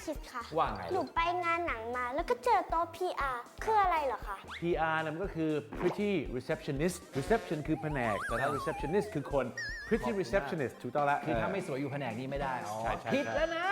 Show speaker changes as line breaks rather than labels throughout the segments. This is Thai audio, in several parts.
คิดค่ะ
ว่าไง
หนูไปงานหนังมาแล้วก็เจอโต๊ะ PR คืออะไรเหรอคะ
PR นะมันก็คือ pretty receptionist reception คือแผนกแต่ถ้า receptionist คือคน pretty receptionist ถูกต้องแล้ว
คือถ้าไม่สวยอยู่แผนกนี้ไม่ได้อ๋อ
ใช่ใช่
ผิดแล้วนะ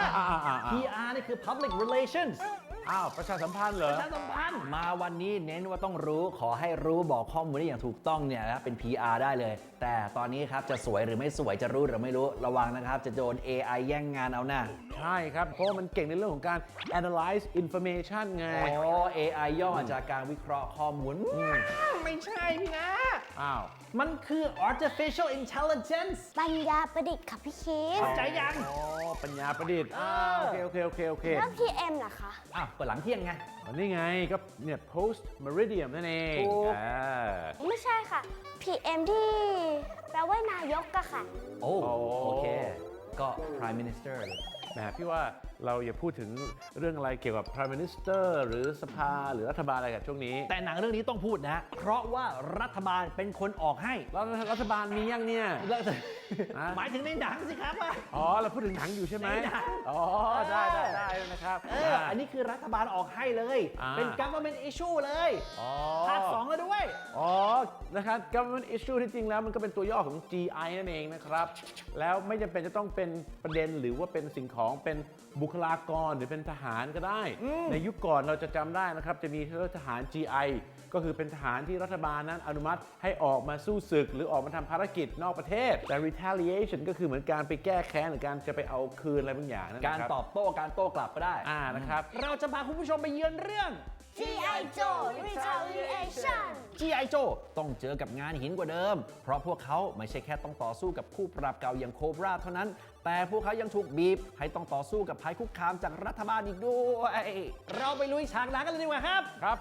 PR นี่คือ public relations
อ้าวประชาสัมพันธ์เหรอ
ประชาสัมพันธ์มาวันนี้เน้นว่าต้องรู้ขอให้รู้บอกข้อมูลได้อย่างถูกต้องเนี่ยนะเป็น PR ได้เลย แต่ตอนนี้ครับจะสวยหรือไม่สวยจะรู้หรือไม่รู้ระวังนะครับจะโดน AI แย่งงานเอาหน้า
ใช่ครับ เพราะว่ามันเก่งในเรื่องของการ analyze information ไง
อ๋อ AI ย่อมาจากการวิเคราะห์ข้อมูลไม่ใช่พี่นะ
อ้าว
มันคือ artificial intelligence
ปัญญาประดิษฐ์ค่ะพี่คิด
เข้าใจยัง
อ๋อ ปัญญาประดิษฐ์โอเคโอเค
แล้ว PM ล่ะคะ
อ้าวเปิดหลังเที่ยงไง
อันนี้ไงก็เนี่ย post meridian นั่นเอง
ถูก
ไม่ใช่ค่ะ PM ที่แปลว่านายกอะค่ะ
โอ้โอเค ก็ prime minister เลย
แหมพี่ว่าเราอย่าพูดถึงเรื่องอะไรเกี่ยวกับ prime minister หรือสภาหรือรัฐบาลอะไรกับช่วงนี้
แต่หนังเรื่องนี้ต้องพูดนะ เพราะว่ารัฐบาลเป็นคนออกให้
แล้วรัฐบาลมียังเนี่ย
หมายถึงในหนังสิครับว่า
อ๋อ เราพูดถึงหนังอยู่ใช่ไหม
ในหนัง
อ๋อ ได้นะครับ
อันนี้คือรัฐบาลออกให้เลย เป็น government issue เลย
อ๋อ
ภาค2แล้วด้วย
อ๋อ นะครับ government issue ที่จริงแล้วมันก็เป็นตัวย่อของ GI นั่นเองนะครับ แล้วไม่จำเป็นจะต้องเป็นประเด็นหรือว่าเป็นสิ่งของเป็นบุคลากรหรือเป็นทหารก็ได้ ในยุคก่อนเราจะจำได้นะครับ จะมีทหาร GI ก็คือเป็นทหารที่รัฐบาลนั้นอนุมัติให้ออกมาสู้ศึก หรือออกมาทำภารกิจนอกประเทศ แต่ retaliation ก็คือเหมือนการไปแก้แค้นหรือการจะไปเอาคืนอะไรบางอย่างนั่นนะ
การ
ครับ
ตอบโต้การโต้กลับก็ได้
นะครับ
เราจะพาคุณผู้ชมไปเยือนเรื่อง
G.I. Joe Retaliation
G.I. Joe ต้องเจอกับงานหินกว่าเดิม เพราะพวกเขาไม่ใช่แค่ต้องต่อสู้กับคู่ปรับเก่าอย่างโคบราเท่านั้น แต่พวกเขายังถูกบีบให้ต้องต่อสู้กับภัยคุกคามจากรัฐบาลอีกด้วย เราไปลุยฉากหนังกันเลยดีกว่าครับ
ครับ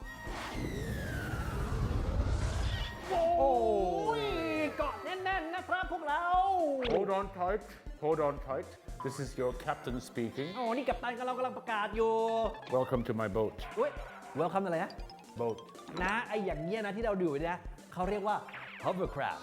โอ้ยเกาะแน่นๆนะครับพวกเรา
Hold on tight This is your captain speaking
โอ้นี่กัปตันกับเรากำลังประกาศอยู่
Welcome to my boat
อุ้ย welcome อะไรนะ
boat
นะไออย่างเงี้ยนะที่เราดูเนี่ยเขาเรียกว่า hovercraft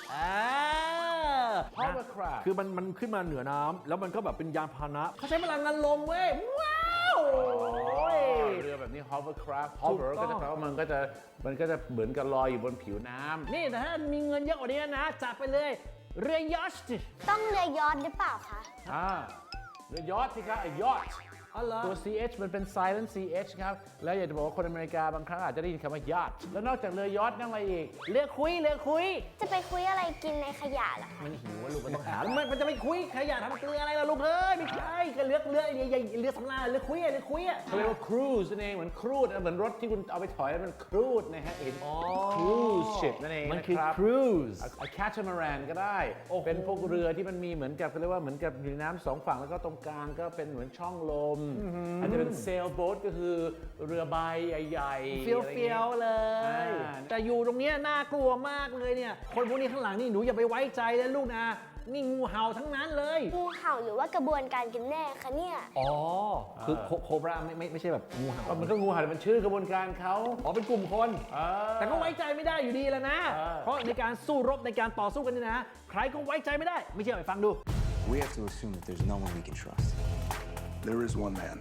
Hovercraft
คือมันขึ้นมาเหนือน้ำแล้วมันก็แบบเป็นยานพาหนะ
เขาใช้พลังงานลมเว้ย ว้าว
เรือแบบนี้ hovercraft hover ก็จะแปลว่ามันก็จะเหมือนกับลอยอยู่บนผิวน้ำ
นี่แต่ถ้ามีเงินเยอะกว่านี้นะจัดไปเลย เรือยอชต์
ต้องเรือยอชต์หรือเปล่าคะ
เรือยอชต์สิครับยอชต์
อ๋อเหรอ
ตัว ch มันเป็น silent ch ครับ แล้วอยากจะบอกว่าคนอเมริกาบางครั้งอาจจะได้ยินคำว่า yacht แล้วนอกจากเรือยอชต์นั่งอะไรอีก
เรือคุย
จะไปคุยอะไรกินในขยะเหรอคะ
มันหิวว่าลูกมันต้องหาแล้วมันจะไปคุยขยะทำเกลืออะไรล่ะลูกเอ้ยไม่ใช่ก็เรือเรือสำราญเรือคุย
เขาเรียกว่า cruise นั่นเองเหมือนครูดเหมือนรถที่คุณเอาไปถอยแล้วมันครูดนะฮะเห็น cruise ship นั่นเอง
มันคือ
นะครับ
cruise
catamaran ก็ได้
โอ้โห
เป็นพวกเรือที่มันมีเหมือนกับเขาเรียกว่าเหมือนกับอยู่ในน้ำสองฝั่งแล้วก็ตรงกลางก็เป็นเหมือนช่องลมอาจจะเป็น sailboat ก็คือเรือใบใหญ่ๆ
เฟี้ยว
อะไร
เฟี้
งี้
ยวเลย
อ่า
แต่อยู่ตรงเนี้ยน่ากลัวมากเลยเนี่ย คนพวกนี้ข้างหลังนี่หนูอย่าไปไว้ใจเลยลูกนะ นี่งูเห่าทั้งนั้นเลย
งูเห่าหรือว่ากระบวนการกันแน่คะเนี่ย
อ๋อ คือโคบราไม่ใช่แบบงูเห่า
มันก็งูเห่าแต่มันชื่อกระบวนการเขา
อ๋อเป็นกลุ่มคน แต่ก็ไว้ใจไม่ได้อยู่ดีแหล้วนะ เพราะในการสู้รบในการต่อสู้กันนี่นะ ใครก็ไว้ใจไม่ได้ ไม่เชื่อไปฟังดู
We have to assume that there's no one we can trust.
There is one man.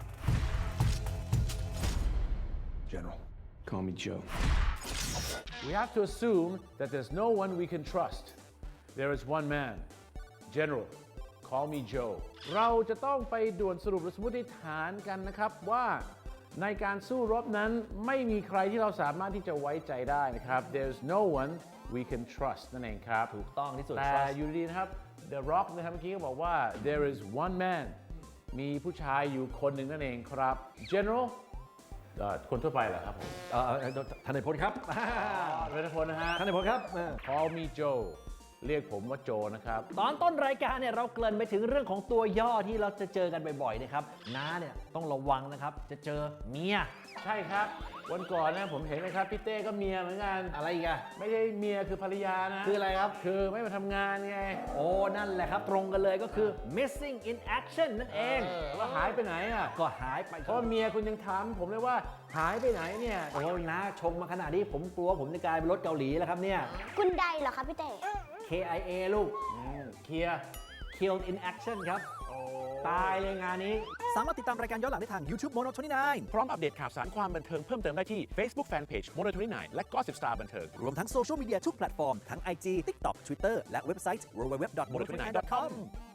General.
Call me Joe.
We have to assume that there's no one we can trust. There is one man. General. Call me Joe. เราจะต้องไปด่วนสรุปหรือสมมติฐานกันนะครับว่าในการสู้รบนั้นไม่มีใครที่เราสามารถที่จะไว้ใจได้นะครับ There's no one we can trust นั่นเองครับ
ถูกต้องที่สุด
แต่
trust
อยู่ดีๆนะครับ The Rock นะครับเมื่อกี้ก็บอกว่า there is one man มีผู้ชายอยู่คนหนึ่งนั่นเองครับ General คนทั่วไปเหรอครับผม
ท่านนายพลครับ
เป็นพลนะฮะ
ท่านนายพลครับ
Call me Joe เรียกผมว่าโจนะครับ
ตอนต้นรายการเนี่ยเราเกริ่นไปถึงเรื่องของตัวย่อที่เราจะเจอกันบ่อยๆนะครับน้าเนี่ยต้องระวังนะครับ จะเจอเมีย
ใช่ครับ วันก่อนนะผมเห็นนะครับพี่เต้ก็เมียเหมือนกัน
อะไรอีกอะ
ไม่ใช่เมียคือภรรยานะ
คืออะไรครับ
คือไม่มาทำงานไง
โอ้นั่นแหละครับตรงกันเลยก็คือ missing in action นั่นเอง
ว่าหายไปไหนอ่ะ
ก็หายไป
เพราะว่าเมียคุณยังถามผมเลยว่าหายไปไหนเนี่ย
โอ้น้าชมมาขนาดนี้ผมกลัวผมจะกลายเป็นรถเกาหลีแล้วครับเนี่ย
คุณใดเหรอคะพี่เต้
KIA ลูก
เคลียร์
killed in action ครับ
อ๋อตายเลยงานนี้
สามารถติดตามรายการย้อนหลังได้ทาง YouTube Mono 29
พร้อมอัปเดตข่าวสารความบันเทิงเพิ่มเติมได้ที่ Facebook Fanpage Mono 29 และ Gossip Star บันเทิง
รวมทั้งโซเชียลมีเดียทุกแพลตฟอร์ม ทั้ง IG TikTok Twitter และเว็บไซต์ www.mono29.com